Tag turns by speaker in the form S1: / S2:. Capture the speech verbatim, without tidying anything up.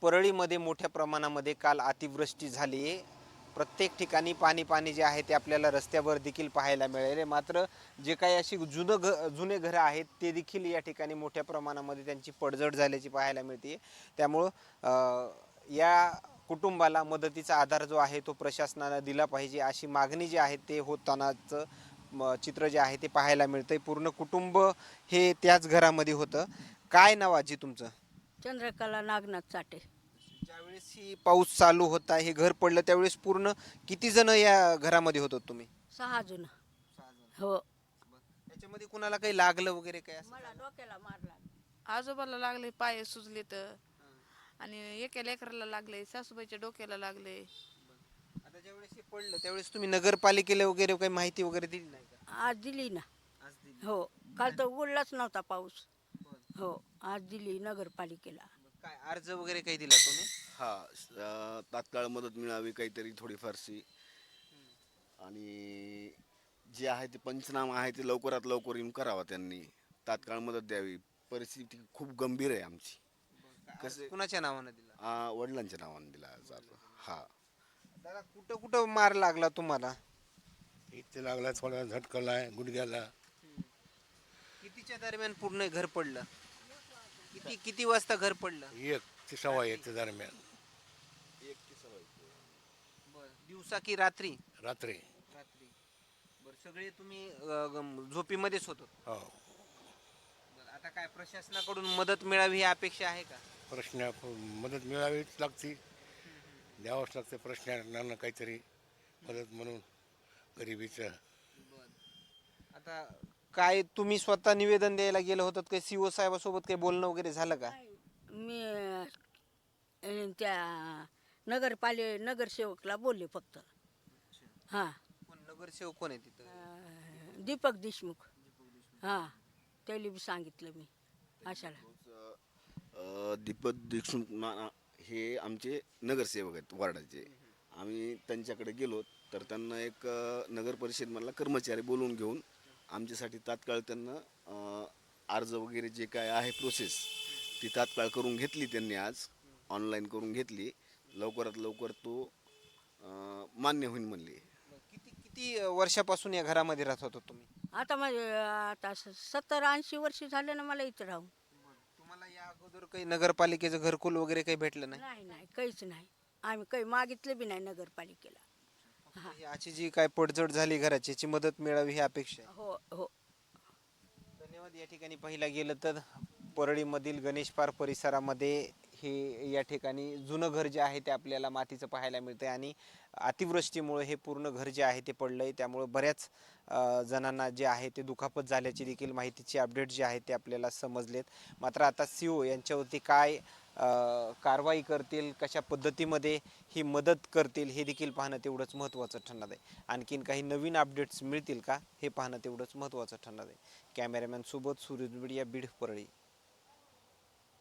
S1: परळीमध्ये मोठ्या प्रमाणामध्ये काल अतिवृष्टी झाली आहे. प्रत्येक ठिकाणी पाणी पाणी जे आहे ते आपल्याला रस्त्यावर देखील पाहायला मिळाले. मात्र जे काही अशी जुनं घ जुने घरं आहेत ते देखील या ठिकाणी मोठ्या प्रमाणामध्ये त्यांची पडझड झाल्याची पाहायला मिळते. त्यामुळं या कुटुंबाला मदतीचा आधार जो आहे तो प्रशासनानं दिला पाहिजे अशी मागणी जी आहे ते होतानाचं चित्र जे आहे ते पाहायला मिळतंय. पूर्ण कुटुंब हे त्याच घरामध्ये होतं. काय नाव आजी तुमचं?
S2: चंद्रकला नागनाथ चाटे.
S1: ज्यावेळेस ही पाऊस चालू होता, हे घर पडलं त्यावेळेस पूर्ण किती जण या घरामध्ये होतात तुम्ही?
S2: सहा जण. हो.
S1: त्याच्यामध्ये कुणाला काही लागलं वगैरे काय असं?
S2: मला डोक्याला मारला.
S3: आजोबाला लागले, पाय सुजले तर आणि एका लेकराला लागले, सासूबाईच्या डोक्याला लागले.
S1: आता ज्यावेळेस हे पडलं त्यावेळेस तुम्ही नगरपालिकेला वगैरे काही माहिती वगैरे दिली नाही का?
S2: आज दिली ना.
S1: आज दिली.
S2: हो. काल तर उघडलाच नव्हता पाऊस. हो. आज दिली नगरपालिकेला.
S1: काय अर्ज वगैरे काही दिला तुम्ही?
S4: हा अ, तात्काळ मदत मिळावी काहीतरी थोडीफारशी, आणि जे आहे ते पंचनामा आहे ते लवकरात लवकर येऊन करावा. त्यांनी तात्काळ मदत द्यावी. परिस्थिती खूप गंभीर आहे आमची.
S1: कसं कुणाच्या नावानं दिला?
S4: आ, वडिलांच्या नावाने दिला अर्ज. हा.
S1: दादा कुठं कुठं मार लागला तुम्हाला?
S5: इथे लागला, थोडा झटकला आहे गुडघ्याला.
S1: कितीच्या दरम्यान पूर्ण घर पडलं? किती किती वाजता घर पडलं?
S5: एक ते सव्वा एकच्या दरम्यान
S1: दिवसा की रात्री?
S5: रात्री.
S1: रात्री. बरं, सगळे तुम्ही अ, गम- झोपीमध्येच होतो?
S5: हो.
S1: बरं, आता काय प्रशासनाकडून मदत मिळावी ही अपेक्षा आहे का?
S5: प्रश्न मदत मिळावीच लागते, द्यावंच लागते प्रश्नांना काहीतरी मदत म्हणून गरिबीचं.
S1: आता काय तुम्ही स्वतः निवेदन द्यायला गेलं होतं काही सीओ साहेबासोबत काही बोलणं वगैरे झालं का?
S2: मी अं, त्या नगरपाले नगरसेवकला बोलले फक्त. हां.
S1: कोण नगरसेवक कोण आहे तिथं?
S2: अं, दीपक देशमुख. हां. त्याला बी सांगितलं मी अशाला.
S4: अ, दीपक देशमुख ना- हे आमचे नगरसेवक आहेत वार्डाचे. आम्ही त्यांच्याकडे गेलो तर त्यांना एक अ, नगर परिषदमधला कर्मचारी बोलवून घेऊन आमच्यासाठी तात्काळ त्यांना अ, अर्ज वगैरे जे काय आहे प्रोसेस ती तात्काळ करून घेतली. त्यांनी आज ऑनलाईन करून घेतली. लवकरात लवकर तो अ, मान्य होईल म्हणली.
S1: किती किती वर्षापासून या घरामध्ये राहत होता तुम्ही?
S2: आता माझे आता सत्तर ऐंशी वर्ष झाले ना मला इथं राहून.
S1: तुम्हाला या अगोदर काही नगरपालिकेचं घरकुल वगैरे काही भेटलं नाही?
S2: नाही नाही काहीच नाही. आम्ही काही मागितलं बी नाही नगरपालिकेला.
S1: याची जी काय पडझड झाली घराची याची मदत मिळावी ही अपेक्षा आहे.
S2: हो हो.
S1: धन्यवाद. या ठिकाणी पाहिला गेलं तर परळीमधील गणेश पार्क परिसरामध्ये हे या ठिकाणी जुनं घर जे आहे ते आपल्याला मातीचं पाहायला मिळतंय आणि अतिवृष्टीमुळे हे पूर्ण घर जे आहे ते पडलंय. त्यामुळे बऱ्याच अ, जणांना जे आहे ते दुखापत झाल्याची देखील माहितीचे अपडेट जे आहे ते आपल्याला समजलेत. मात्र आता सीओ यांच्यावरती काय अ, कारवाई करतील, कशा पद्धतीमध्ये ही मदत करतील हे देखील पाहणं तेवढंच महत्त्वाचं ठरणार आहे. आणखीन काही नवीन अपडेट्स मिळतील का हे पाहणं तेवढंच महत्त्वाचं ठरणार आहे. कॅमेरामॅन सोबत सूरज मीडिया बीड परळी.